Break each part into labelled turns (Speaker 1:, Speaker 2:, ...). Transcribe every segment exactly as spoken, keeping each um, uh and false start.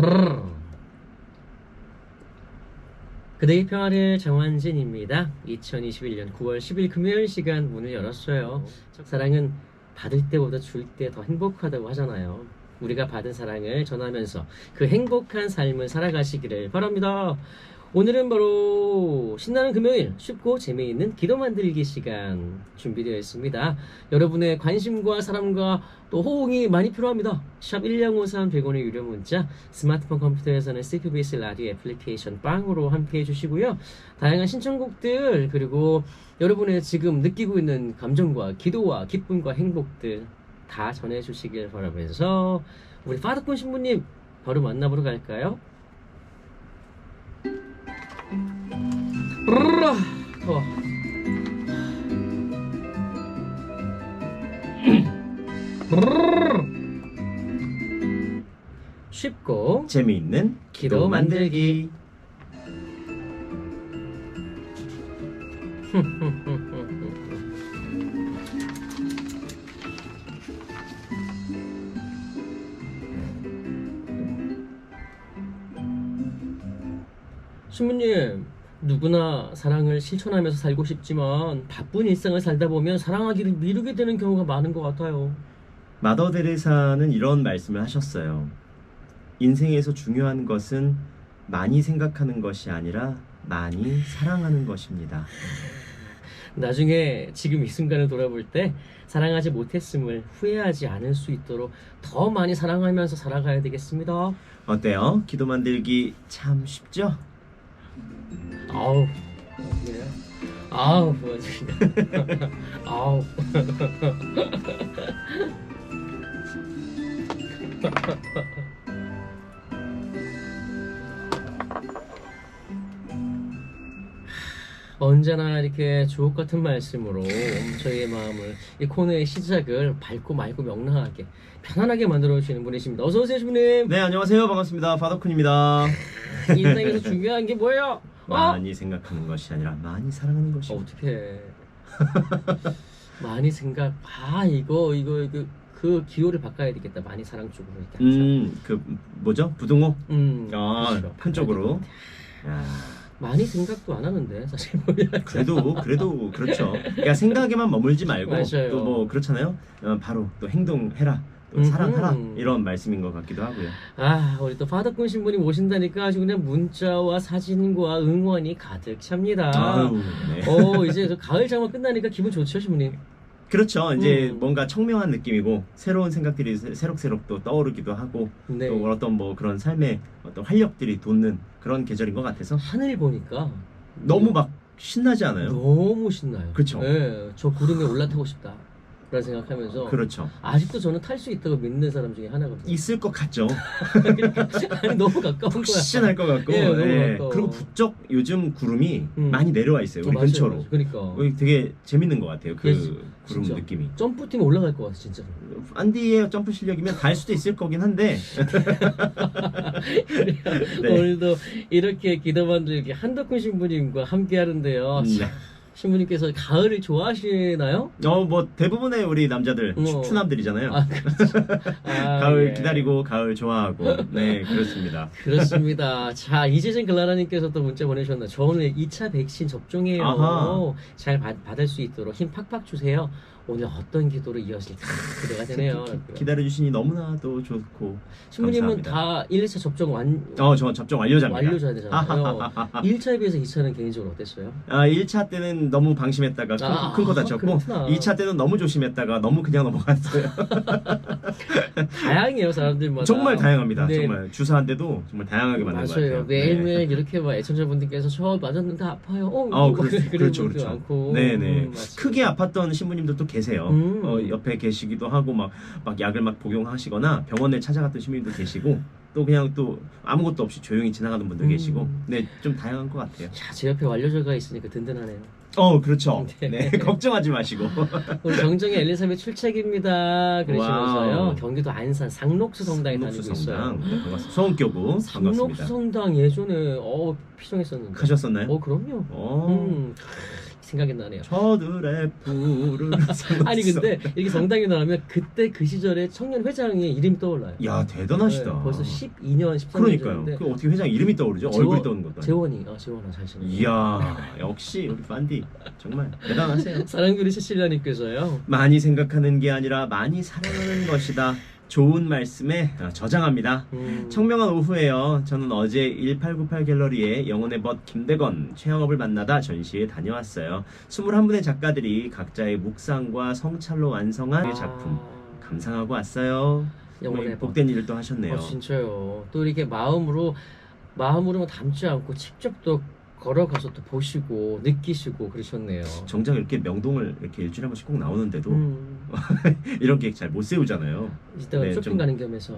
Speaker 1: 그대의 평화를 정환진입니다. 이천이십일 년 구월 십일 금요일 시간 문을 열었어요. 사랑은 받을 때보다 줄 때 더 행복하다고 하잖아요. 우리가 받은 사랑을 전하면서 그 행복한 삶을 살아가시기를 바랍니다. 오늘은 바로 신나는 금요일, 쉽고 재미있는 기도 만들기 시간 준비되어 있습니다. 여러분의 관심과 사랑과 또 호응이 많이 필요합니다. 샵 일공오삼 백 원의 유료 문자, 스마트폰 컴퓨터에서는 씨피비에스 라디오 애플리케이션 빵으로 함께 해주시고요. 다양한 신청곡들, 그리고 여러분의 지금 느끼고 있는 감정과 기도와 기쁨과 행복들 다 전해주시길 바라면서 우리 파더콘 신부님 바로 만나보러 갈까요? 으르르, 더워. 쉽고
Speaker 2: 재미있는
Speaker 1: 기도
Speaker 2: 기도
Speaker 1: 만들기.
Speaker 2: 만들기.
Speaker 1: 신부님, 누구나 사랑을 실천하면서 살고 싶지만 바쁜 일상을 살다 보면 사랑하기를 미루게 되는 경우가 많은 것 같아요.
Speaker 2: 마더 데레사는 이런 말씀을 하셨어요. 인생에서 중요한 것은 많이 생각하는 것이 아니라 많이 사랑하는 것입니다.
Speaker 1: 나중에 지금 이 순간을 돌아볼 때 사랑하지 못했음을 후회하지 않을 수 있도록 더 많이 사랑하면서 살아가야 되겠습니다.
Speaker 2: 어때요? 기도 만들기 참 쉽죠?
Speaker 1: 아우, 그래요? 아우, 뭐지? 아우. 언제나 이렇게 주옥 같은 말씀으로 저희의 마음을, 이 코너의 시작을 밝고 맑고 명랑하게 편안하게 만들어 주시는 분이십니다. 어서 오세요, 신부님.
Speaker 2: 네, 안녕하세요. 반갑습니다. 파더쿤입니다.
Speaker 1: 인생에서 중요한 게 뭐예요? 어?
Speaker 2: 많이 생각하는 것이 아니라 많이 사랑하는 것이.
Speaker 1: 어, 어떻게 많이 생각. 아, 이거 이거 이거 그 기호를 바꿔야 되겠다. 많이 사랑 쪽으로 이렇게.
Speaker 2: 음, 그 뭐죠? 부등호?
Speaker 1: 음,
Speaker 2: 아,
Speaker 1: 그렇죠.
Speaker 2: 큰 쪽으로. 야,
Speaker 1: 많이 생각도 안 하는데 사실 보면.
Speaker 2: 그래도 그래도 그렇죠. 그러니까 생각에만 머물지 말고
Speaker 1: 맞아요.
Speaker 2: 또 뭐 그렇잖아요. 어, 바로 또 행동해라. 또
Speaker 1: 음흠.
Speaker 2: 사랑하라. 이런 말씀인 것 같기도 하고요.
Speaker 1: 아, 우리 또 파더꾼 신부님 오신다니까 아주 그냥 문자와 사진과 응원이 가득 찹니다.
Speaker 2: 아유, 네.
Speaker 1: 어, 이제 저 가을 장마 끝나니까 기분 좋죠, 신부님?
Speaker 2: 그렇죠. 이제
Speaker 1: 음.
Speaker 2: 뭔가 청명한 느낌이고 새로운 생각들이 새- 새록새록 또 떠오르기도 하고
Speaker 1: 네.
Speaker 2: 또 어떤 뭐 그런 삶의 어떤 활력들이 돋는 그런 계절인 것 같아서
Speaker 1: 하늘 보니까
Speaker 2: 너무 막 신나지 않아요?
Speaker 1: 너무 신나요.
Speaker 2: 그쵸.
Speaker 1: 네, 저 구름에 올라타고 싶다. 라는 생각하면서
Speaker 2: 그렇죠.
Speaker 1: 아직도 저는 탈 수 있다고 믿는 사람 중에 하나거든요.
Speaker 2: 있을 것 같죠.
Speaker 1: 아니, 너무 가까운 거야.
Speaker 2: 푹신할 것 같고.
Speaker 1: 예, 너무
Speaker 2: 예.
Speaker 1: 가까워.
Speaker 2: 그리고 부쩍 요즘 구름이
Speaker 1: 음.
Speaker 2: 많이 내려와 있어요. 우리
Speaker 1: 맞아요,
Speaker 2: 근처로.
Speaker 1: 맞아요. 그러니까
Speaker 2: 어, 되게 재밌는 것 같아요. 그
Speaker 1: 예,
Speaker 2: 구름
Speaker 1: 진짜.
Speaker 2: 느낌이.
Speaker 1: 점프팀 올라갈 것 같아, 진짜.
Speaker 2: 안디의 점프 실력이면 달 수도 있을 거긴 한데. 네.
Speaker 1: 오늘도 이렇게 기도 만들기 한덕훈 신부님과 함께 하는데요.
Speaker 2: 네.
Speaker 1: 신부님께서 가을을 좋아하시나요?
Speaker 2: 어, 뭐 대부분의 우리 남자들
Speaker 1: 어.
Speaker 2: 추남들이잖아요.
Speaker 1: 아, 그렇죠. 아,
Speaker 2: 가을
Speaker 1: 예.
Speaker 2: 기다리고 가을 좋아하고. 네, 그렇습니다.
Speaker 1: 그렇습니다. 자, 이재진 글라라님께서 또 문자 보내셨나. 저 오늘 이 차 백신 접종해요.
Speaker 2: 아하.
Speaker 1: 잘 받, 받을 수 있도록 힘 팍팍 주세요. 오늘 어떤 기도로 이어질까 기대가 되네요.
Speaker 2: 기다려주시니 너무나도 좋고.
Speaker 1: 신부님은
Speaker 2: 감사합니다.
Speaker 1: 다 일, 이 차 접종 완,
Speaker 2: 어, 저 접종 완료자입니다.
Speaker 1: 완료자야 되잖아요. 일 차에 비해서 이 차는 개인적으로 어땠어요?
Speaker 2: 아, 일 차 때는 너무 방심했다가 큰,
Speaker 1: 아,
Speaker 2: 큰 거 다쳤고,
Speaker 1: 그렇구나.
Speaker 2: 이 차 때는 너무 조심했다가 너무 그냥 넘어갔어요.
Speaker 1: 다양해요, 사람들마다.
Speaker 2: 정말 다양합니다.
Speaker 1: 네.
Speaker 2: 정말 주사한데도 정말 다양하게 맞는 것
Speaker 1: 맞아요.
Speaker 2: 같아요.
Speaker 1: 매일매일
Speaker 2: 네.
Speaker 1: 이렇게 막 애청자분들께서 저 맞았는데 아파요. 어,
Speaker 2: 어,
Speaker 1: 뭐
Speaker 2: 그렇,
Speaker 1: 그런
Speaker 2: 그렇죠,
Speaker 1: 분들
Speaker 2: 그렇죠.
Speaker 1: 많고.
Speaker 2: 네네.
Speaker 1: 음, 맞습니다.
Speaker 2: 크게 아팠던 신부님들도 계세요.
Speaker 1: 음.
Speaker 2: 어, 옆에 계시기도 하고 막, 막 약을 막 복용하시거나 병원에 찾아갔던 신부님도 계시고 또 그냥 또 아무것도 없이 조용히 지나가는 분도
Speaker 1: 음.
Speaker 2: 계시고 네, 좀 다양한 것 같아요.
Speaker 1: 자, 제 옆에 완료자가 있으니까 든든하네요.
Speaker 2: 어, 그렇죠.
Speaker 1: 네.
Speaker 2: 네, 걱정하지 마시고.
Speaker 1: 우리 정정의 엘리사벳 출첵입니다. 그러시면서요.
Speaker 2: 와우.
Speaker 1: 경기도 안산 상록수 성당에 다니고
Speaker 2: 상록수
Speaker 1: 있어요.
Speaker 2: 성당. 네, 반갑습니다. 소원교구
Speaker 1: 상록수
Speaker 2: 반갑습니다.
Speaker 1: 성당 예전에 어 피정했었는데.
Speaker 2: 가셨었나요?
Speaker 1: 어, 그럼요.
Speaker 2: 어.
Speaker 1: 음. 생각이 나네요.
Speaker 2: 저들의 푸른
Speaker 1: 아니 근데 이렇게 성당에 나오면 그때 그 시절에 청년 회장의 이름이 떠올라요.
Speaker 2: 야 대단하시다.
Speaker 1: 네, 벌써 십이 년, 십삼 년
Speaker 2: 그러니까요.
Speaker 1: 전인데
Speaker 2: 그 어떻게 회장 이름이 떠오르죠?
Speaker 1: 재원-
Speaker 2: 얼굴이 떠오르는 것도 아니고.
Speaker 1: 재원이, 아 재원아 잘 지내.
Speaker 2: 이야 역시 우리 판디 정말 대단하세요.
Speaker 1: 사랑교리 시실라님께서요.
Speaker 2: 많이 생각하는 게 아니라 많이 사랑하는 것이다. 좋은 말씀에 저장합니다.
Speaker 1: 음,
Speaker 2: 청명한 오후에요. 저는 어제 일팔구팔 갤러리에 영혼의 벗 김대건 최영업을 만나다 전시에 다녀왔어요. 이십일 분의 작가들이 각자의 묵상과 성찰로 완성한 작품 감상하고 왔어요.
Speaker 1: 영혼의 벗.
Speaker 2: 복된 일을 또 하셨네요.
Speaker 1: 어, 진짜요. 또 이렇게 마음으로 마음으로만 담지 않고 직접 또 걸어가서 또 보시고 느끼시고 그러셨네요.
Speaker 2: 정작 이렇게 명동을 이렇게 일주일에 한 번씩 꼭 나오는데도
Speaker 1: 음,
Speaker 2: 이런 계획 잘 못 세우잖아요.
Speaker 1: 이따가
Speaker 2: 네,
Speaker 1: 쇼핑
Speaker 2: 좀-
Speaker 1: 가는 겸해서.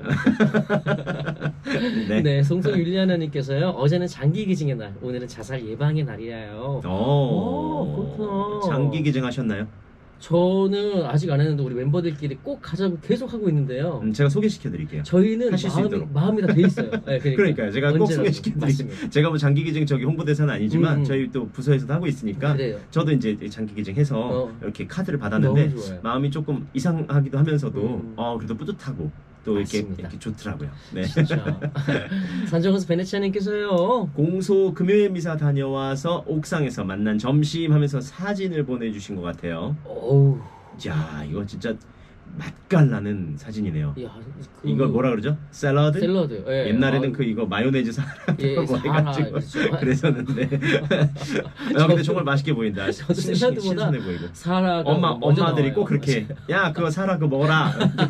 Speaker 2: 네.
Speaker 1: 네, 송송 율리아나님께서요. 어제는 장기 기증의 날, 오늘은 자살 예방의 날이에요.
Speaker 2: 오,
Speaker 1: 오, 그렇구나.
Speaker 2: 장기 기증하셨나요?
Speaker 1: 저는 아직 안 했는데 우리 멤버들끼리 꼭 가자고 계속 하고 있는데요.
Speaker 2: 음, 제가 소개시켜 드릴게요.
Speaker 1: 저희는
Speaker 2: 하실 수
Speaker 1: 마음이,
Speaker 2: 있도록.
Speaker 1: 마음이 다 돼 있어요. 네, 그러니까.
Speaker 2: 그러니까요. 제가 꼭
Speaker 1: 언제라도.
Speaker 2: 소개시켜 드릴게요.
Speaker 1: 맞습니다.
Speaker 2: 제가 뭐 장기 기증 저기 홍보대사는 아니지만
Speaker 1: 음.
Speaker 2: 저희 또 부서에서도 하고 있으니까
Speaker 1: 그래요.
Speaker 2: 저도 이제 장기 기증해서
Speaker 1: 어.
Speaker 2: 이렇게 카드를 받았는데
Speaker 1: 너무 좋아요.
Speaker 2: 마음이 조금 이상하기도 하면서도
Speaker 1: 음.
Speaker 2: 어 그래도 뿌듯하고 또 이렇게,
Speaker 1: 맞습니다.
Speaker 2: 이렇게 좋더라고요. 네.
Speaker 1: 진짜. 산정호수 베네치아님께서요.
Speaker 2: 공소 금요일 미사 다녀와서 옥상에서 만난 점심 하면서 사진을 보내주신 것 같아요.
Speaker 1: 어우.
Speaker 2: 야 이거 진짜 맛깔나는 사진이네요.
Speaker 1: 야, 그
Speaker 2: 이걸 뭐라 그러죠? 샐러드?
Speaker 1: 샐러드. 예.
Speaker 2: 옛날에는
Speaker 1: 아,
Speaker 2: 그 이거 마요네즈
Speaker 1: 예,
Speaker 2: 사라고
Speaker 1: 사라,
Speaker 2: 해가지고
Speaker 1: 그렇죠.
Speaker 2: 그랬었는데 야 근데 정말 맛있게 보인다.
Speaker 1: 저도
Speaker 2: 신-
Speaker 1: 샐러드보다
Speaker 2: 신선해 보이고.
Speaker 1: 사라가
Speaker 2: 엄마
Speaker 1: 먼저
Speaker 2: 엄마들이
Speaker 1: 나와요.
Speaker 2: 꼭 그렇게 야 그거 사라 그거 먹어라.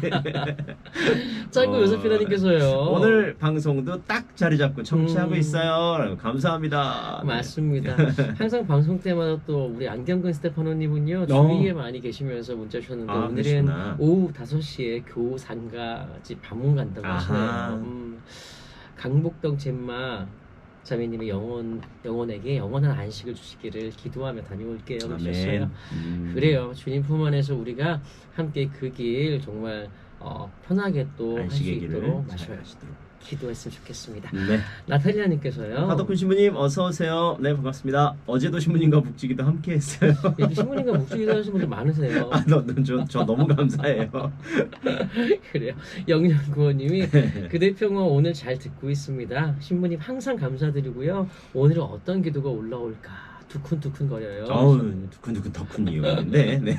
Speaker 1: 짱구
Speaker 2: 어,
Speaker 1: 요세피나님께서요.
Speaker 2: 오늘 방송도 딱 자리 잡고 청취하고
Speaker 1: 음.
Speaker 2: 있어요. 감사합니다. 네.
Speaker 1: 맞습니다. 항상 방송 때마다 또 우리 안경근 스테파노님은요
Speaker 2: 어.
Speaker 1: 주위에 많이 계시면서 문자 주셨는데
Speaker 2: 아,
Speaker 1: 오늘은
Speaker 2: 그러시구나.
Speaker 1: 오후 다섯 시에 교산가지 방문 간다고
Speaker 2: 아하.
Speaker 1: 하시네요. 음, 강복동 젬마 자매님의 영혼 영혼에게 영원한 안식을 주시기를 기도하며 다녀올게요. 그러셨어요.
Speaker 2: 아멘. 음.
Speaker 1: 그래요. 주님 품 안에서 우리가 함께 그 길 정말 어, 편하게 또 할 수
Speaker 2: 안식의 길을
Speaker 1: 있도록
Speaker 2: 잘
Speaker 1: 마셔요.
Speaker 2: 하시도록.
Speaker 1: 기도했으면 좋겠습니다.
Speaker 2: 네.
Speaker 1: 나탈리아님께서요.
Speaker 2: 하덕훈 신부님 어서 오세요. 네 반갑습니다. 어제도 신부님과 묵지기도 함께했어요.
Speaker 1: 이렇게 신부님과 묵주기도 하시는 분들 많으세요.
Speaker 2: 아, 너, 너, 저, 저 너무 감사해요.
Speaker 1: 그래요. 영영구호님이 그대 평화 오늘 잘 듣고 있습니다. 신부님 항상 감사드리고요. 오늘은 어떤 기도가 올라올까 두근두근 거려요.
Speaker 2: 어우, 두근두근 덕훈이었는데, 네.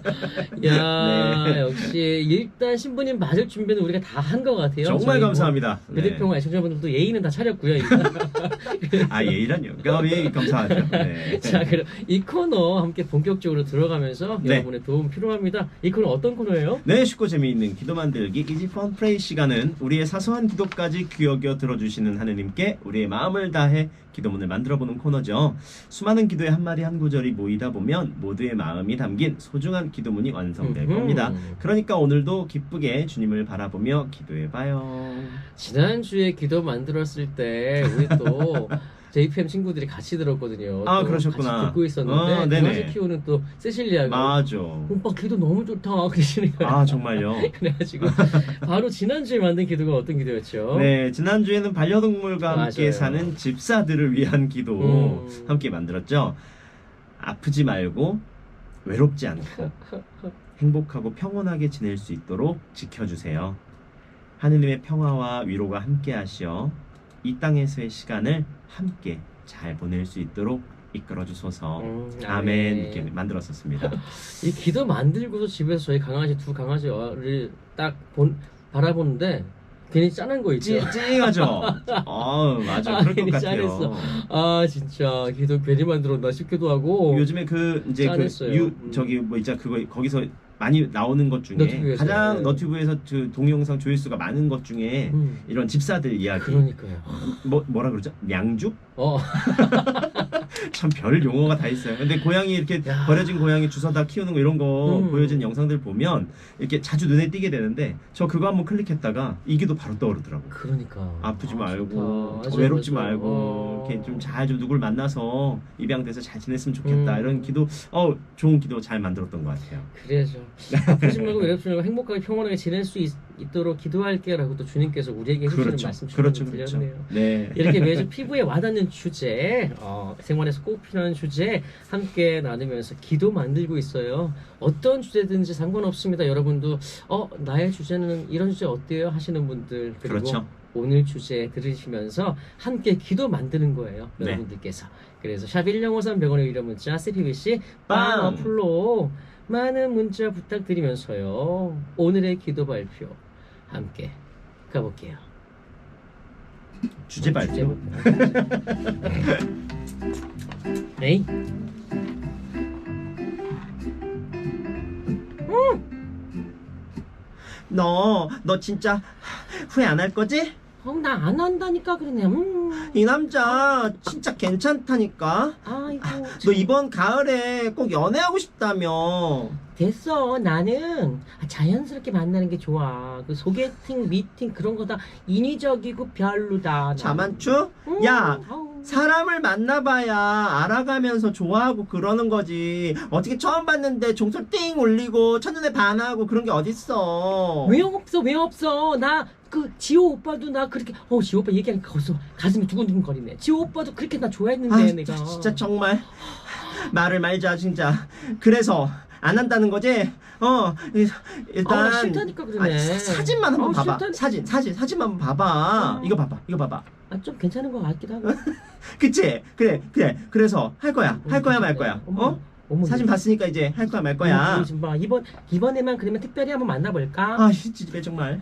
Speaker 1: 야
Speaker 2: 네.
Speaker 1: 역시 일단 신부님 맞을 준비는 우리가 다 한 것 같아요.
Speaker 2: 정말
Speaker 1: 저희 뭐
Speaker 2: 감사합니다.
Speaker 1: 그대
Speaker 2: 네.
Speaker 1: 평화 애청자분들도 예의는 다 차렸고요. 일단.
Speaker 2: 아, 예의란요. 아, 예, 감사하죠. 네.
Speaker 1: 자, 그럼 이 코너 함께 본격적으로 들어가면서
Speaker 2: 네.
Speaker 1: 여러분의 도움 필요합니다. 이 코너 어떤 코너예요?
Speaker 2: 네, 쉽고 재미있는 기도 만들기 이지 펀 프레이 시간은 우리의 사소한 기도까지 귀여겨 들어주시는 하느님께 우리의 마음을 다해 기도문을 만들어보는 코너죠. 수많은 기도의 한 마디 한 구절이 모이다 보면 모두의 마음이 담긴 소중한 기도문이 완성될
Speaker 1: 음흠.
Speaker 2: 겁니다. 그러니까 오늘도 기쁘게 주님을 바라보며 기도해봐요.
Speaker 1: 지난주에 기도 만들었을 때 우리 또 제이피엠 친구들이 같이 들었거든요.
Speaker 2: 아,
Speaker 1: 또
Speaker 2: 그러셨구나.
Speaker 1: 같이 듣고 있었는데
Speaker 2: 어, 네네.
Speaker 1: 강아지 키우는 또 세실리아가
Speaker 2: 맞아.
Speaker 1: 오빠 기도 너무 좋다 그러시는 거예요.
Speaker 2: 아, 정말요?
Speaker 1: 그래가지고 바로 지난주에 만든 기도가 어떤 기도였죠?
Speaker 2: 네, 지난주에는 반려동물과 함께
Speaker 1: 맞아요.
Speaker 2: 사는 집사들을 위한 기도
Speaker 1: 음.
Speaker 2: 함께 만들었죠. 아프지 말고 외롭지 않고 행복하고 평온하게 지낼 수 있도록 지켜주세요. 하느님의 평화와 위로가 함께 하시어 이 땅에서의 시간을 함께 잘 보낼 수 있도록 이끌어 주소서.
Speaker 1: 음,
Speaker 2: 아멘.
Speaker 1: 아멘.
Speaker 2: 이렇게 만들었었습니다.
Speaker 1: 이 기도 만들고서 집에서 저희 강아지 두 강아지를 딱 본, 바라보는데 괜히 짠한 거 있죠.
Speaker 2: 찡, 찡하죠? 어, 맞아.
Speaker 1: 아,
Speaker 2: 그럴 것
Speaker 1: 괜히
Speaker 2: 같아요.
Speaker 1: 짠했어. 아 진짜 기도 괜히 만들었나 싶기도 하고.
Speaker 2: 요즘에 그 이제 그
Speaker 1: 짠했어요.
Speaker 2: 유
Speaker 1: 음.
Speaker 2: 저기 뭐 있자 그거 거기서 많이 나오는 것 중에
Speaker 1: 너튜브에서,
Speaker 2: 가장
Speaker 1: 네.
Speaker 2: 너튜브에서 그 동영상 조회수가 많은 것 중에
Speaker 1: 음,
Speaker 2: 이런 집사들 이야기
Speaker 1: 그러니까요.
Speaker 2: 뭐 뭐라 그러죠? 냥죽?
Speaker 1: 어,
Speaker 2: 참 별 용어가 다 있어요. 근데 고양이 이렇게
Speaker 1: 야.
Speaker 2: 버려진 고양이 주워다 키우는 거 이런 거
Speaker 1: 음.
Speaker 2: 보여진 영상들 보면 이렇게 자주 눈에 띄게 되는데 저 그거 한번 클릭했다가 이 기도 바로 떠오르더라고.
Speaker 1: 그러니까.
Speaker 2: 아프지
Speaker 1: 아,
Speaker 2: 말고
Speaker 1: 좋다. 맞아,
Speaker 2: 외롭지
Speaker 1: 맞아.
Speaker 2: 말고
Speaker 1: 어.
Speaker 2: 이렇게 좀 잘 좀 누굴 만나서 입양돼서 잘 지냈으면 좋겠다
Speaker 1: 음.
Speaker 2: 이런 기도 어 좋은 기도 잘 만들었던 것 같아요.
Speaker 1: 그래죠. 아프지 말고 외롭지 말고 행복하게 평온하게 지낼 수 있, 있도록 기도할게요라고 또 주님께서 우리에게 해주시는
Speaker 2: 그렇죠.
Speaker 1: 말씀
Speaker 2: 그렇죠.
Speaker 1: 주시는
Speaker 2: 그렇죠.
Speaker 1: 드렸네요.
Speaker 2: 네.
Speaker 1: 이렇게 매주 피부에 와닿는 주제, 어, 생활에서 꼭 필요한 주제 함께 나누면서 기도 만들고 있어요. 어떤 주제든지 상관없습니다. 여러분도 어 나의 주제는 이런 주제 어때요? 하시는 분들 그리고
Speaker 2: 그렇죠.
Speaker 1: 오늘 주제 들으시면서 함께 기도 만드는 거예요.
Speaker 2: 네.
Speaker 1: 여러분들께서. 그래서 샵 일공오삼 백 원의 유료 문자 씨피비씨
Speaker 2: 빵!
Speaker 1: 빵 어플로 많은 문자 부탁드리면서요. 오늘의 기도 발표 함께 가볼게요.
Speaker 2: 주제 발표.
Speaker 1: 에이?
Speaker 2: 너, 너 진짜 후회 안 할 거지?
Speaker 1: 어, 나 안 한다니까 그러네. 음.
Speaker 2: 이 남자 진짜 괜찮다니까.
Speaker 1: 아이고.
Speaker 2: 너 이번 가을에 꼭 연애하고 싶다며.
Speaker 1: 됐어. 나는 자연스럽게 만나는 게 좋아. 그 소개팅, 미팅 그런 거 다 인위적이고 별로다.
Speaker 2: 자만추?
Speaker 1: 음,
Speaker 2: 야,
Speaker 1: 아우.
Speaker 2: 사람을 만나봐야 알아가면서 좋아하고 그러는 거지. 어떻게 처음 봤는데 종소 띵 올리고 첫눈에 반하고 그런 게 어딨어.
Speaker 1: 왜 없어? 왜 없어? 나 그 지호 오빠도 나 그렇게 어 지호 오빠 얘기하니까 가서 가슴이 두근두근 거리네. 지호 오빠도 그렇게 나 좋아했는데
Speaker 2: 아,
Speaker 1: 내가.
Speaker 2: 진짜 정말 말을 말자 진짜. 그래서 안 한다는 거지? 어 일단
Speaker 1: 아, 나 싫다니까 그러네.
Speaker 2: 아니, 사- 사진만 한번
Speaker 1: 아,
Speaker 2: 봐봐.
Speaker 1: 싫다니까.
Speaker 2: 사진 사진 사진만 한번 봐봐.
Speaker 1: 어.
Speaker 2: 이거 봐봐. 이거 봐봐.
Speaker 1: 아, 좀 괜찮은 것 같기도 하고.
Speaker 2: 그치? 그래 그래. 그래서 할 거야. 할 거야 말 거야.
Speaker 1: 어머,
Speaker 2: 어?
Speaker 1: 어머,
Speaker 2: 사진
Speaker 1: 이거-
Speaker 2: 봤으니까 이제 할 거야 말 거야.
Speaker 1: 어머, 지금 봐. 이번 이번에만 그러면 특별히 한번 만나볼까?
Speaker 2: 아 진짜 정말.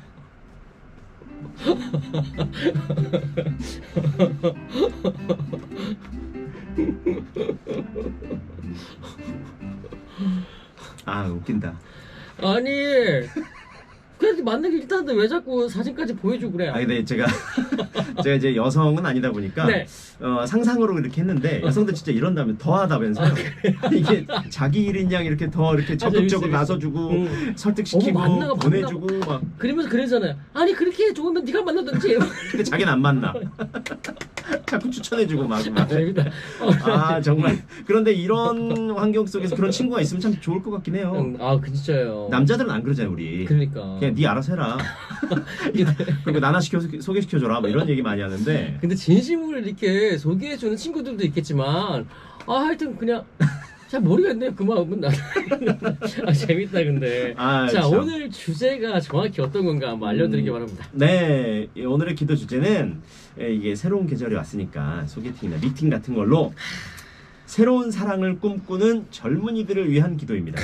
Speaker 2: 아 웃긴다.
Speaker 1: 아니 그래도 만나기 일단은 왜 자꾸 사진까지 보여주고 그래?
Speaker 2: 아 근데 제가 제가 이제 여성은 아니다 보니까
Speaker 1: 네.
Speaker 2: 어, 상상으로 이렇게 했는데 여성들 진짜 이런다면 더 하다면서요. 이게 자기 일인 양 이렇게 더 이렇게 적극적으로
Speaker 1: 재밌어, 재밌어.
Speaker 2: 나서주고
Speaker 1: 응.
Speaker 2: 설득시키고
Speaker 1: 어머, 만나가,
Speaker 2: 보내주고 막.
Speaker 1: 그러면서 그러잖아요. 아니 그렇게 좋으면 네가 만나든지.
Speaker 2: 근데 자기는 안 만나. 자꾸 추천해주고 막.
Speaker 1: 아,
Speaker 2: 막.
Speaker 1: 재밌다.
Speaker 2: 아 정말. 그런데 이런 환경 속에서 그런 친구가 있으면 참 좋을 것 같긴 해요.
Speaker 1: 응, 아, 그 진짜요.
Speaker 2: 남자들은 안 그러잖아요 우리.
Speaker 1: 그러니까.
Speaker 2: 그냥 네 알아서 해라. 그리고 나나 시켜 소개시켜줘라. 뭐 이런 얘기 많이 하는데.
Speaker 1: 근데 진심으로 이렇게 소개해주는 친구들도 있겠지만, 아 하여튼 그냥 잘 모르겠네요. 그 마음은 나. 아 재밌다 근데.
Speaker 2: 아,
Speaker 1: 자
Speaker 2: 참.
Speaker 1: 오늘 주제가 정확히 어떤 건가 한번 알려드리기
Speaker 2: 음,
Speaker 1: 바랍니다.
Speaker 2: 네, 이 오늘의 기도 주제는 에, 이게 새로운 계절이 왔으니까 소개팅이나 미팅 같은 걸로 새로운 사랑을 꿈꾸는 젊은이들을 위한 기도입니다.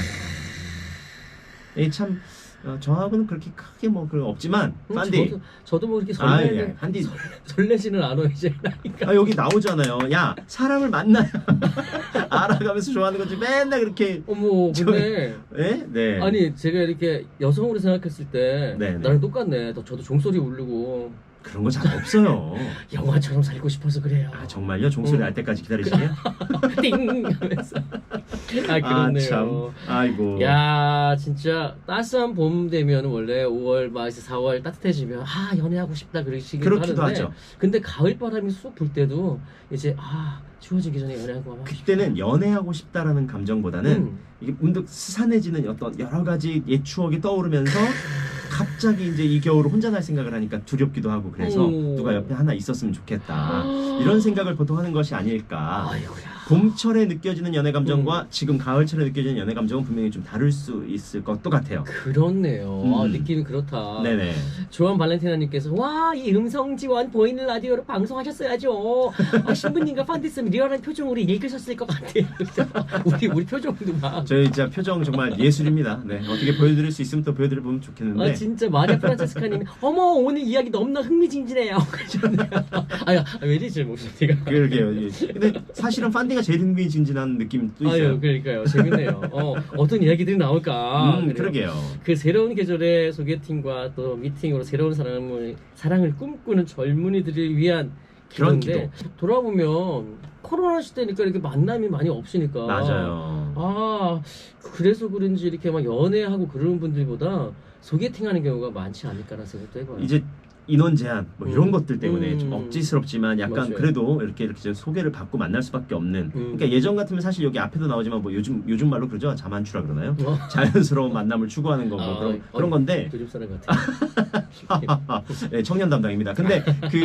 Speaker 2: 이 참 어, 저하고는 그렇게 크게 뭐 그런 거 없지만
Speaker 1: 음,
Speaker 2: 판디
Speaker 1: 저도, 저도 뭐 이렇게
Speaker 2: 아,
Speaker 1: 설레는
Speaker 2: 예, 한디
Speaker 1: 설레지는 않아 이제 나니까.
Speaker 2: 아, 여기 나오잖아요. 야 사람을 만나야 알아가면서 좋아하는 거지 맨날 그렇게
Speaker 1: 어머 근데
Speaker 2: 예? 네.
Speaker 1: 아니 제가 이렇게 여성으로 생각했을 때
Speaker 2: 네, 네.
Speaker 1: 나랑 똑같네. 또 저도 종소리 울르고
Speaker 2: 그런 거 잘 없어요.
Speaker 1: 영화처럼 살고 싶어서 그래요.
Speaker 2: 아 정말요? 종소리
Speaker 1: 음.
Speaker 2: 날 때까지 기다리시게요?
Speaker 1: 띵 하면서. 아
Speaker 2: 아
Speaker 1: 그렇네요.
Speaker 2: 참. 아이고.
Speaker 1: 야 진짜 따스한 봄 되면 원래 오월 막 이제 사월 따뜻해지면 아 연애하고 싶다 그러시기도
Speaker 2: 그렇기도
Speaker 1: 하는데
Speaker 2: 하죠.
Speaker 1: 근데 가을 바람이 쑥 불 때도 이제 아 추워지기 전에 연애하고 하고
Speaker 2: 그때는 연애하고 싶다라는 감정보다는
Speaker 1: 음.
Speaker 2: 이게 문득 스산해지는 어떤 여러 가지 옛 추억이 떠오르면서 갑자기 이제 이 겨울을 혼자 날 생각을 하니까 두렵기도 하고 그래서
Speaker 1: 오.
Speaker 2: 누가 옆에 하나 있었으면 좋겠다 이런 생각을 보통 하는 것이 아닐까.
Speaker 1: 아이고야.
Speaker 2: 봄철에 느껴지는 연애 감정과
Speaker 1: 음.
Speaker 2: 지금 가을철에 느껴지는 연애 감정은 분명히 좀 다를 수 있을 것도 같아요.
Speaker 1: 그렇네요.
Speaker 2: 음.
Speaker 1: 아, 느낌이 그렇다.
Speaker 2: 네네.
Speaker 1: 조한 발렌티나님께서 와 이 음성 지원 보이는 라디오로 방송하셨어야죠. 아, 신부님과 판디스는 리얼한 표정으로 읽으셨을 것 같아요. 우리 우리 표정도 막.
Speaker 2: 저희 진짜 표정 정말 예술입니다. 네 어떻게 보여드릴 수 있으면 또 보여드려보면 좋겠는데.
Speaker 1: 아 진짜 마리아 프란체스카님이 어머 오늘 이야기 너무나 흥미진진해요. 그러셨네요. 아야 왜 이러지 목소리가.
Speaker 2: 그러게요. 예. 근데 사실은 판디가 제일 흥미진진한 느낌도 있어요.
Speaker 1: 아유 그러니까요 재밌네요. 어 어떤 이야기들이 나올까.
Speaker 2: 음,
Speaker 1: 그래요.
Speaker 2: 그러게요.
Speaker 1: 그 새로운 계절의 소개팅과 또 미팅으로 새로운 사람을 사랑을 꿈꾸는 젊은이들을 위한
Speaker 2: 그런
Speaker 1: 기도인데 돌아보면 코로나 시대니까 이렇게 만남이 많이 없으니까
Speaker 2: 맞아요.
Speaker 1: 아 그래서 그런지 이렇게 막 연애하고 그러는 분들보다 소개팅하는 경우가 많지 않을까라는 생각도 해봐요.
Speaker 2: 이제 인원 제한 뭐 이런
Speaker 1: 음.
Speaker 2: 것들 때문에
Speaker 1: 음.
Speaker 2: 좀 억지스럽지만 약간
Speaker 1: 맞아요.
Speaker 2: 그래도 이렇게 이렇게 좀 소개를 받고 만날 수밖에 없는.
Speaker 1: 음.
Speaker 2: 그러니까 예전 같으면 사실 여기 앞에도 나오지만 뭐 요즘 요즘 말로 그러죠. 자만추라 그러나요?
Speaker 1: 어?
Speaker 2: 자연스러운 만남을 추구하는 거고
Speaker 1: 아,
Speaker 2: 그런
Speaker 1: 어,
Speaker 2: 그런 건데
Speaker 1: 요즘 사람 같아.
Speaker 2: 네, 청년 담당입니다. 근데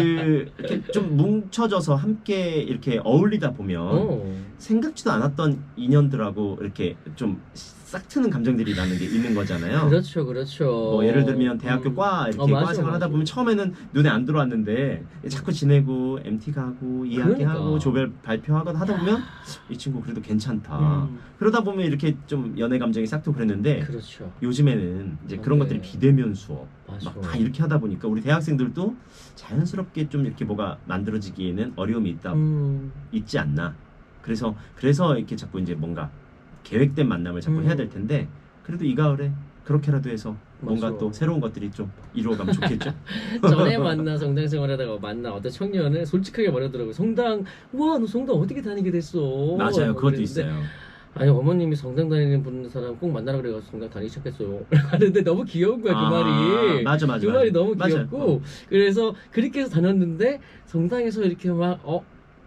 Speaker 2: 그 이렇게 좀 뭉쳐져서 함께 이렇게 어울리다 보면
Speaker 1: 어.
Speaker 2: 생각지도 않았던 인연들하고 이렇게 좀 싹 트는 감정들이 나는 게 있는 거잖아요.
Speaker 1: 그렇죠, 그렇죠.
Speaker 2: 뭐 예를 들면 대학교
Speaker 1: 음.
Speaker 2: 과 이렇게
Speaker 1: 어, 맞아,
Speaker 2: 과 생활 하다
Speaker 1: 맞아.
Speaker 2: 보면 처음에는 눈에 안 들어왔는데 자꾸 지내고 엠티 가고 이야기하고
Speaker 1: 그러니까.
Speaker 2: 조별 발표하고 하다 보면 이 친구 그래도 괜찮다.
Speaker 1: 음.
Speaker 2: 그러다 보면 이렇게 좀 연애 감정이 싹트고 그랬는데
Speaker 1: 그렇죠.
Speaker 2: 요즘에는 이제
Speaker 1: 아,
Speaker 2: 그런
Speaker 1: 네.
Speaker 2: 것들이 비대면 수업
Speaker 1: 맞아.
Speaker 2: 막 다 이렇게 하다 보니까 우리 대학생들도 자연스럽게 좀 이렇게 뭐가 만들어지기에는 어려움이 있다
Speaker 1: 음.
Speaker 2: 있지 않나. 그래서 그래서 이렇게 자꾸 이제 뭔가 계획된 만남을 자꾸
Speaker 1: 음.
Speaker 2: 해야 될 텐데 그래도 이 가을에 그렇게라도 해서 뭔가
Speaker 1: 맞아.
Speaker 2: 또 새로운 것들이 좀 이루어가면 좋겠죠.
Speaker 1: 전에 만나 성당 생활하다가 만나 어떤 청년은 솔직하게 말하더라고요. 성당, 와, 너 성당 어떻게 다니게 됐어?
Speaker 2: 맞아요, 그것도
Speaker 1: 그랬는데,
Speaker 2: 있어요.
Speaker 1: 아니 어머님이 성당 다니는 분 사람 꼭 만나라 그래가지고 성당 다니기 시작했어요. 하는데 너무 귀여운 거야 그
Speaker 2: 아,
Speaker 1: 말이.
Speaker 2: 맞아, 맞아,
Speaker 1: 그
Speaker 2: 맞아.
Speaker 1: 말이 너무
Speaker 2: 맞아요.
Speaker 1: 귀엽고
Speaker 2: 어.
Speaker 1: 그래서 그렇게 해서 다녔는데 성당에서 이렇게 막 어.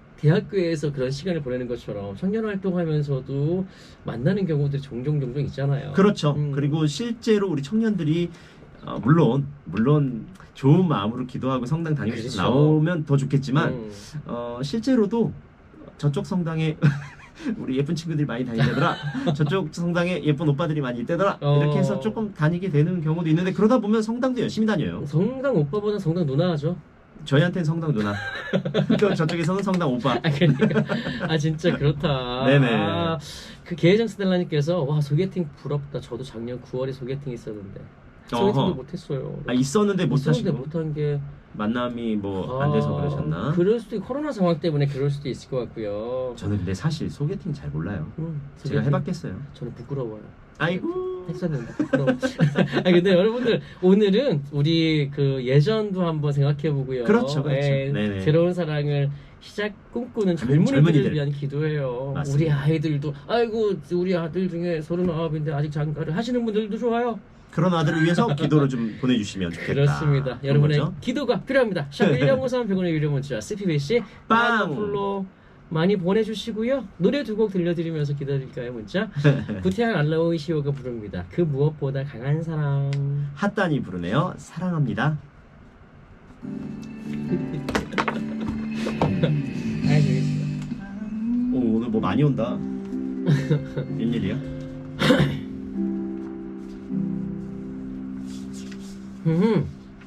Speaker 1: 대학교에서 그런 시간을 보내는 것처럼 청년 활동하면서도 만나는 경우들이 종종 종종 있잖아요.
Speaker 2: 그렇죠.
Speaker 1: 음.
Speaker 2: 그리고 실제로 우리 청년들이 어, 물론 물론 좋은 마음으로 기도하고 성당 다니고 싶어서
Speaker 1: 그렇죠.
Speaker 2: 나오면 더 좋겠지만
Speaker 1: 음.
Speaker 2: 어, 실제로도 저쪽 성당에 우리 예쁜 친구들이 많이 다니더라. 저쪽 성당에 예쁜 오빠들이 많이 있대더라.
Speaker 1: 어.
Speaker 2: 이렇게 해서 조금 다니게 되는 경우도 있는데 그러다 보면 성당도 열심히 다녀요.
Speaker 1: 성당 오빠보다 성당 누나 하죠.
Speaker 2: 저희한테는 성당 누나. 또 저쪽에서는 성당 오빠.
Speaker 1: 아 그러니까 아 진짜 그렇다.
Speaker 2: 네네.
Speaker 1: 아, 그 계혜정 스텔라님께서 와 소개팅 부럽다. 저도 작년 구월에 소개팅 있었는데 소개팅도
Speaker 2: 어허.
Speaker 1: 못했어요.
Speaker 2: 아 있었는데 못
Speaker 1: 있었는데
Speaker 2: 하시고
Speaker 1: 못한 게
Speaker 2: 만남이 뭐 안 돼서
Speaker 1: 아,
Speaker 2: 그러셨나?
Speaker 1: 그럴 수도 있고 코로나 상황 때문에 그럴 수도 있을 것 같고요.
Speaker 2: 저는 근데 사실 소개팅 잘 몰라요.
Speaker 1: 음,
Speaker 2: 제가
Speaker 1: 소개팅
Speaker 2: 해봤겠어요.
Speaker 1: 저는 부끄러워요.
Speaker 2: 아이고.
Speaker 1: 했었는데 부끄러워. 아 근데 여러분들 오늘은 우리 그 예전도 한번 생각해 보고요.
Speaker 2: 그렇죠, 그렇죠.
Speaker 1: 예,
Speaker 2: 네네.
Speaker 1: 새로운 사랑을 시작 꿈꾸는 젊은이들을
Speaker 2: 젊은이들.
Speaker 1: 위한 기도예요.
Speaker 2: 맞습니다.
Speaker 1: 우리 아이들도 아이고 우리 아들 중에 서른아홉인데 아직 장가를 하시는 분들도 좋아요.
Speaker 2: 그런 아들을 위해서 기도를 좀 보내주시면 좋겠다.
Speaker 1: 그렇습니다.
Speaker 2: 그런
Speaker 1: 여러분의
Speaker 2: 거죠?
Speaker 1: 기도가 필요합니다. 샵 일공오삼 백 원의 유료 문자 스피비씨
Speaker 2: 빵!
Speaker 1: 플로 많이 보내주시고요. 노래 두 곡 들려드리면서 기다릴까요 문자? 구태양 알라오이시오가 부릅니다. 그 무엇보다 강한 사랑.
Speaker 2: 핫단이 부르네요. 사랑합니다.
Speaker 1: 아 재밌어.
Speaker 2: 오, 오늘 뭐 많이 온다. 웬일이야?
Speaker 1: 음.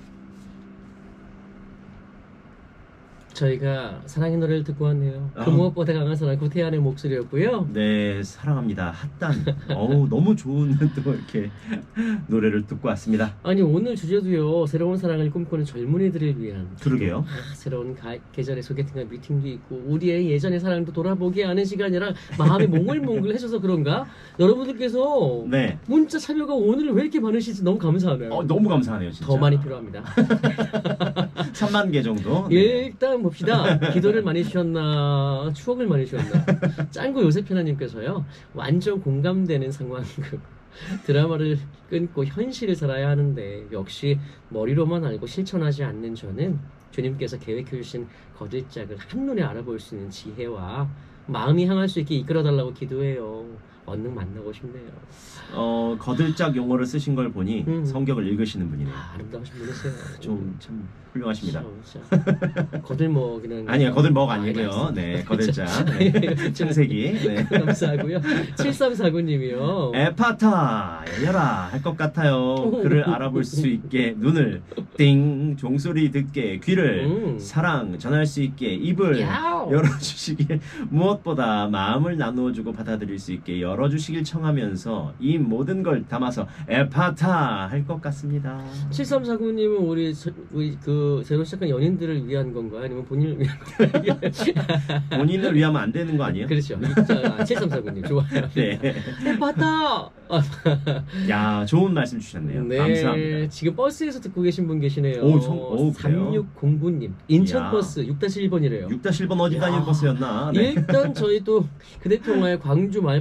Speaker 1: 저희가 사랑의 노래를 듣고 왔네요. 그
Speaker 2: 아.
Speaker 1: 무엇보다 강한 사랑 구태환의 목소리였고요.
Speaker 2: 네, 사랑합니다. 핫단. 어우, 너무 좋은 또 이렇게 노래를 듣고 왔습니다.
Speaker 1: 아니 오늘 주제도요. 새로운 사랑을 꿈꾸는 젊은이들을 위한
Speaker 2: 그러게요.
Speaker 1: 아, 새로운 가, 계절의 소개팅과 미팅도 있고 우리의 예전의 사랑도 돌아보게 하는 시간이라 마음이 몽글몽글해져서 그런가? 여러분들께서
Speaker 2: 네.
Speaker 1: 문자 참여가 오늘 왜 이렇게 많으신지 너무 감사하네요.
Speaker 2: 어, 너무 감사하네요, 진짜.
Speaker 1: 더 많이 필요합니다.
Speaker 2: 삼만 개 정도. 네.
Speaker 1: 일단 봅시다. 기도를 많이 주셨나 추억을 많이 주셨나. 짱구 요세피나님께서요. 완전 공감되는 상황극. 드라마를 끊고 현실을 살아야 하는데 역시 머리로만 알고 실천하지 않는 저는 주님께서 계획해 주신 거들짝을 한눈에 알아볼 수 있는 지혜와 마음이 향할 수 있게 이끌어달라고 기도해요. 얼른 만나고 싶네요.
Speaker 2: 어, 거들짝 용어를 쓰신 걸 보니
Speaker 1: 음.
Speaker 2: 성경을 읽으시는 분이네요.
Speaker 1: 아, 아름다우신 분이세요.
Speaker 2: 좀 참 훌륭하십니다.
Speaker 1: 진짜. 거들먹이는
Speaker 2: 아니요, 거들먹 아니고요.
Speaker 1: 알겠습니다.
Speaker 2: 네, 거들짝. 네. 창세기. 네.
Speaker 1: 감사하고요. 칠삼사구님이요.
Speaker 2: 에파타 열려라 할 것 같아요. 그를 알아볼 수 있게 눈을 띵 종소리 듣게 귀를
Speaker 1: 음.
Speaker 2: 사랑 전할 수 있게 입을
Speaker 1: 야오.
Speaker 2: 열어주시길 무엇보다 마음을 나누어주고 받아들일 수 있게 열어주시길 청하면서 이 모든 걸 담아서 에파타 할 것 같습니다.
Speaker 1: 칠삼사구님은 우리 저- 우리 그 새로 시작한 연인들을 위한 건가요? 아니면 본인을 위한 건가요?
Speaker 2: 본인을 위하면 안 되는 거 아니에요?
Speaker 1: 그렇죠. 자, 칠삼사구님 좋아요.
Speaker 2: 네.
Speaker 1: 봤다.
Speaker 2: 야 좋은 말씀 주셨네요.
Speaker 1: 네,
Speaker 2: 감사합니다.
Speaker 1: 지금 버스에서 듣고 계신 분 계시네요.
Speaker 2: 오, 성- 오, 그래요?
Speaker 1: 삼육공구님 인천
Speaker 2: 이야.
Speaker 1: 버스 육 일번이래요.
Speaker 2: 육 일 번 어디
Speaker 1: 야.
Speaker 2: 다니는 버스였나? 네.
Speaker 1: 일단 저희 또 그대통화의 광주 마을버스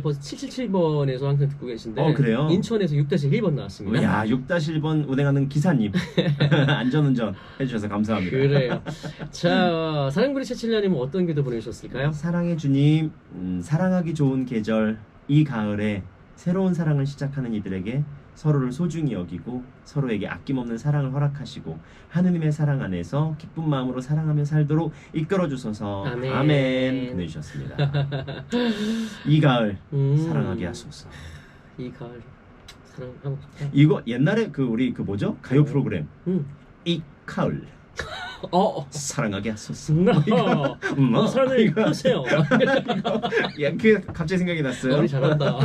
Speaker 1: 육칠칠 번에서 항상 듣고 계신데
Speaker 2: 어, 그래요?
Speaker 1: 인천에서 육 일 번 나왔습니다.
Speaker 2: 야, 육 일 번 운행하는 기사님 안전운전 해주셔서 감사합니다.
Speaker 1: 그래요. 자, 사랑부리 칠칠년님은 어떤 기도 보내주셨을까요?
Speaker 2: 사랑의 주님, 음, 사랑하기 좋은 계절 이 가을에 새로운 사랑을 시작하는 이들에게 서로를 소중히 여기고 서로에게 아낌없는 사랑을 허락하시고 하느님의 사랑 안에서 기쁜 마음으로 사랑하며 살도록 이끌어 주소서.
Speaker 1: 아멘.
Speaker 2: 아멘. 보내주셨습니다. 이 가을
Speaker 1: 음,
Speaker 2: 사랑하게 하소서.
Speaker 1: 이 가을 사랑하고 싶다.
Speaker 2: 이거 옛날에 그 우리 그 뭐죠? 가요 프로그램
Speaker 1: 음.
Speaker 2: 이 가을
Speaker 1: 어, 어.
Speaker 2: 사랑하게 하소서.
Speaker 1: 음,
Speaker 2: 음,
Speaker 1: 어, 사랑을
Speaker 2: 이거-
Speaker 1: 펴세요.
Speaker 2: 야, 그 갑자기 생각이 났어요.
Speaker 1: 우리 잘한다.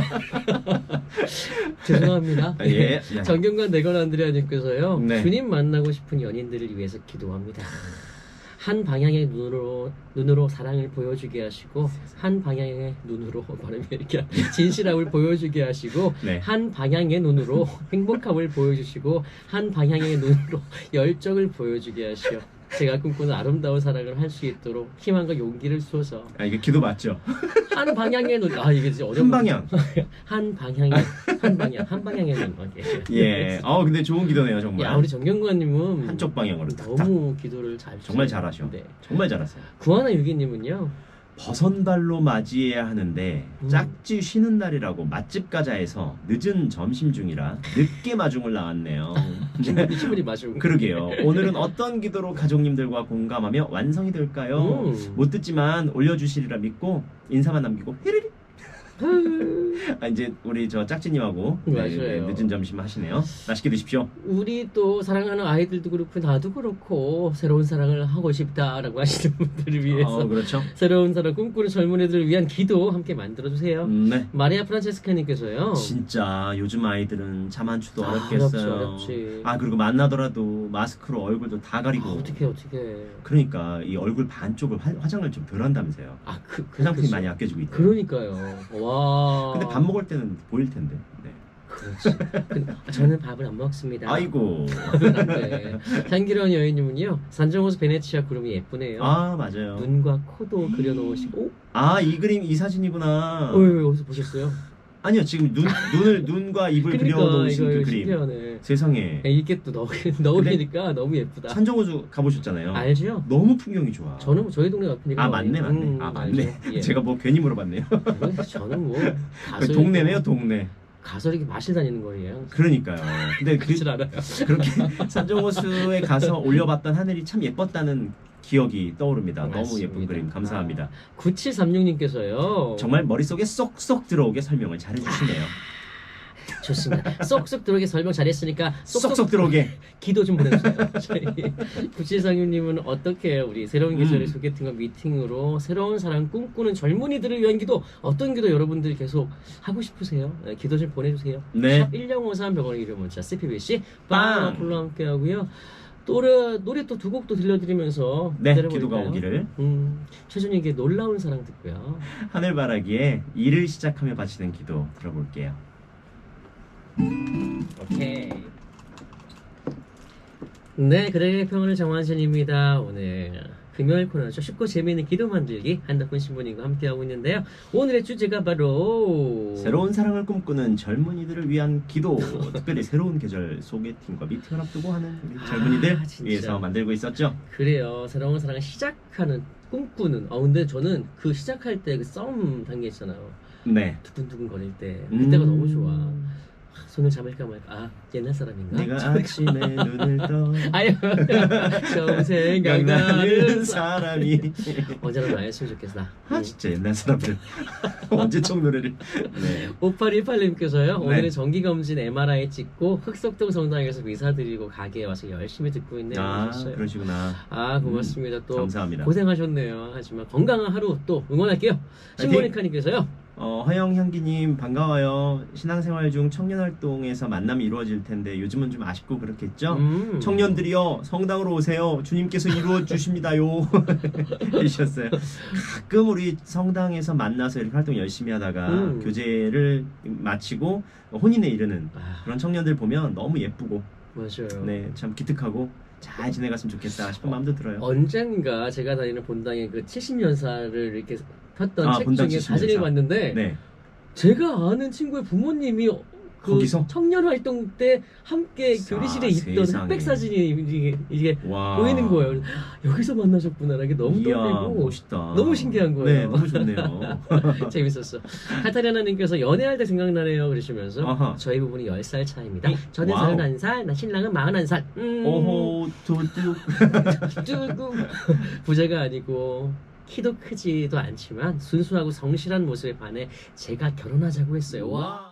Speaker 1: 죄송합니다.
Speaker 2: 아, 예. 야.
Speaker 1: 정경관 내건 안드레아님께서요.
Speaker 2: 네.
Speaker 1: 주님 만나고 싶은 연인들을 위해서 기도합니다. 한 방향의 눈으로 눈으로 사랑을 보여주게 하시고 한 방향의 눈으로 발음이 이렇게 진실함을 보여주게 하시고
Speaker 2: 네.
Speaker 1: 한 방향의 눈으로 행복함을 보여주시고 한 방향의 눈으로 열정을 보여주게 하시어 제가 꿈꾸는 아름다운 사랑을 할 수 있도록 희망과 용기를 쏘서
Speaker 2: 아, 이게 기도 맞죠?
Speaker 1: 한 방향의 눈, 아 이게 진짜 어려운
Speaker 2: 한 방향.
Speaker 1: 한 방향의 한 방향 한 방향의 눈. 오케이.
Speaker 2: 예. 어, 근데 좋은 기도네요, 정말.
Speaker 1: 야 우리 정경관님은
Speaker 2: 한쪽 방향으로 탁탁.
Speaker 1: 너무 기도를 잘
Speaker 2: 정말
Speaker 1: 주세요.
Speaker 2: 잘하셔.
Speaker 1: 네.
Speaker 2: 정말 잘하세요.
Speaker 1: 구하나 유기님은요.
Speaker 2: 버선발로 맞이해야 하는데
Speaker 1: 음.
Speaker 2: 짝지 쉬는 날이라고 맛집 가자해서 늦은 점심 중이라 늦게 마중을 나왔네요.
Speaker 1: 충분히 충분히 마시고.
Speaker 2: 그러게요. 오늘은 어떤 기도로 가족님들과 공감하며 완성이 될까요?
Speaker 1: 음.
Speaker 2: 못 듣지만 올려주시리라 믿고 인사만 남기고 히리리. 아, 이제 우리 저 짝지님하고 네,
Speaker 1: 맞아요.
Speaker 2: 네, 늦은 점심 하시네요. 맛있게 드십시오.
Speaker 1: 우리 또 사랑하는 아이들도 그렇고 나도 그렇고 새로운 사랑을 하고 싶다라고 하시는 분들을 위해서
Speaker 2: 어, 그렇죠.
Speaker 1: 새로운 사랑 꿈꾸는 젊은이들을 위한 기도 함께 만들어주세요.
Speaker 2: 음, 네.
Speaker 1: 마리아 프란체스카님께서요.
Speaker 2: 진짜 요즘 아이들은 잠안추도
Speaker 1: 아,
Speaker 2: 어렵겠어요.
Speaker 1: 어렵지, 어렵지.
Speaker 2: 아, 그리고 만나더라도 마스크로 얼굴도 다 가리고.
Speaker 1: 아, 어떻게 어떻게.
Speaker 2: 그러니까 이 얼굴 반쪽을 화, 화장을 좀 덜 한다면서요.
Speaker 1: 아그
Speaker 2: 화장품이 많이 아껴지고 있대요.
Speaker 1: 그러니까요. 와.
Speaker 2: 근데 밥 먹을 때는 보일 텐데. 네.
Speaker 1: 그렇지. 근데 저는 밥을 안 먹습니다.
Speaker 2: 아이고.
Speaker 1: 안 돼. 향기로운 여인님은요. 산정호수 베네치아 구름이 예쁘네요.
Speaker 2: 아, 맞아요.
Speaker 1: 눈과 코도 그려놓으시고.
Speaker 2: 아, 이 그림 이 사진이구나.
Speaker 1: 어, 왜, 왜, 어디서 보셨어요?
Speaker 2: 아니요, 지금 눈 눈을 눈과 입을
Speaker 1: 그러니까
Speaker 2: 그려놓으신
Speaker 1: 이거
Speaker 2: 그 그림.
Speaker 1: 신기하네.
Speaker 2: 세상에.
Speaker 1: 이게 또 넣, 넣으니까 너무 예쁘다.
Speaker 2: 산정호수 가보셨잖아요.
Speaker 1: 알죠?
Speaker 2: 너무 풍경이 좋아.
Speaker 1: 저는 뭐 저희 동네 같으니까.
Speaker 2: 아, 맞네, 맞네. 아, 맞네.
Speaker 1: 알죠? 예.
Speaker 2: 제가 뭐 괜히 물어봤네요.
Speaker 1: 저는- 저는 뭐 가서
Speaker 2: 동네네요, 동네.
Speaker 1: 가서 이렇게 마실 다니는 거예요.
Speaker 2: 그러니까요. 근데 그,
Speaker 1: 그렇질 않아요.
Speaker 2: 그렇게 산정호수에 가서 올려봤던 하늘이 참 예뻤다는 기억이 떠오릅니다. 너무
Speaker 1: 맞습니다.
Speaker 2: 예쁜 그림 감사합니다.
Speaker 1: 구칠삼육님께서요.
Speaker 2: 정말 머릿속에 쏙쏙 들어오게 설명을 잘해주시네요.
Speaker 1: 좋습니다. 쏙쏙 들어오게 설명 잘했으니까 쏙쏙,
Speaker 2: 쏙쏙 들어오게.
Speaker 1: 기도 좀 보내주세요. 저희 구칠삼육님은 어떻게 우리 새로운 계절의
Speaker 2: 음.
Speaker 1: 소개팅과 미팅으로 새로운 사랑 꿈꾸는 젊은이들을 위한 기도 어떤 기도 여러분들 계속 하고 싶으세요? 네, 기도 좀 보내주세요.
Speaker 2: 네.
Speaker 1: 샵 일공오삼 병원의 이름 문자 씨피비씨
Speaker 2: 빵!
Speaker 1: 빵 어플로 함께 하고요. 노래 노래 또 두 곡 또 들려드리면서
Speaker 2: 네,
Speaker 1: 기다려볼까요?
Speaker 2: 기도가 오기를.
Speaker 1: 음, 최준익의 놀라운 사랑 듣고요.
Speaker 2: 하늘바라기에 일을 시작하며 바치는 기도 들어볼게요.
Speaker 1: 오케이. 네, 그대의 평온을 정환선입니다. 오늘 금요일 코너죠. 쉽고 재미있는 기도 만들기 한덕훈 신부님과 함께하고 있는데요. 오늘의 주제가 바로
Speaker 2: 새로운 사랑을 꿈꾸는 젊은이들을 위한 기도. 특별히 새로운 계절 소개팅과 미팅을 앞두고 하는 우리
Speaker 1: 아,
Speaker 2: 젊은이들
Speaker 1: 진짜.
Speaker 2: 위해서 만들고 있었죠.
Speaker 1: 그래요. 새로운 사랑을 시작하는 꿈꾸는. 어 근데 저는 그 시작할 때 그 싸움 단계 있잖아요.
Speaker 2: 네.
Speaker 1: 두근두근 거릴 때 그때가
Speaker 2: 음.
Speaker 1: 너무 좋아. 아, 손을 잡을까 말까. 아 옛날 사람인가?
Speaker 2: 내가 아침에 눈을 떠
Speaker 1: 아유 처음 생각나는 사
Speaker 2: 사람이
Speaker 1: 언제나 나였으면 좋겠다.
Speaker 2: 아 진짜 옛날 사람들 언제적 노래를. 네.
Speaker 1: 오팔일팔님께서요.
Speaker 2: 네.
Speaker 1: 오늘은 정기검진 엠알아이 찍고 흑석동 성당에서 미사 드리고 가게에 와서 열심히 듣고 있네요.
Speaker 2: 아
Speaker 1: 하셨어요.
Speaker 2: 그러시구나.
Speaker 1: 아 고맙습니다. 또
Speaker 2: 감사합니다.
Speaker 1: 고생하셨네요. 하지만 건강한 하루 또 응원할게요.
Speaker 2: 화이팅!
Speaker 1: 신모니카님께서요.
Speaker 2: 어, 허영 향기님 반가워요. 신앙생활 중 청년활동에서 만남이 이루어질 텐데 요즘은 좀 아쉽고 그렇겠죠?
Speaker 1: 음.
Speaker 2: 청년들이요 성당으로 오세요. 주님께서 이루어 주십니다요. 해주셨어요. 가끔 우리 성당에서 만나서 이렇게 활동 열심히 하다가
Speaker 1: 음.
Speaker 2: 교제를 마치고 혼인에 이르는
Speaker 1: 아,
Speaker 2: 그런 청년들 보면 너무 예쁘고
Speaker 1: 맞아요.
Speaker 2: 네 참 기특하고 잘 지내갔으면 좋겠다 싶은 마음도 들어요.
Speaker 1: 언젠가 제가 다니는 본당에 그 칠십 년사를 이렇게 폈던
Speaker 2: 아,
Speaker 1: 책
Speaker 2: 본당
Speaker 1: 중에
Speaker 2: 칠십 년사.
Speaker 1: 사진을 봤는데
Speaker 2: 네.
Speaker 1: 제가 아는 친구의 부모님이 그
Speaker 2: 거기서?
Speaker 1: 청년 활동 때 함께
Speaker 2: 아,
Speaker 1: 교리실에 있던
Speaker 2: 세상에.
Speaker 1: 흑백 사진이 이게, 이게
Speaker 2: 와.
Speaker 1: 보이는 거예요. 여기서 만나셨구나. 이게 너무
Speaker 2: 이야,
Speaker 1: 떨리고
Speaker 2: 멋있다.
Speaker 1: 너무 신기한 거예요.
Speaker 2: 네, 너무 좋네요.
Speaker 1: 재밌었어. 카타리나님께서 연애할 때 생각나네요 그러시면서
Speaker 2: 아하.
Speaker 1: 저희 부부는 열 살 차입니다.
Speaker 2: 이,
Speaker 1: 저는
Speaker 2: 와우.
Speaker 1: 서른한 살, 나 신랑은 마흔한 살. 음,
Speaker 2: 오호, 두둑.
Speaker 1: 쭈구. 부자가 아니고 키도 크지도 않지만 순수하고 성실한 모습에 반해 제가 결혼하자고 했어요. 와.
Speaker 2: 와.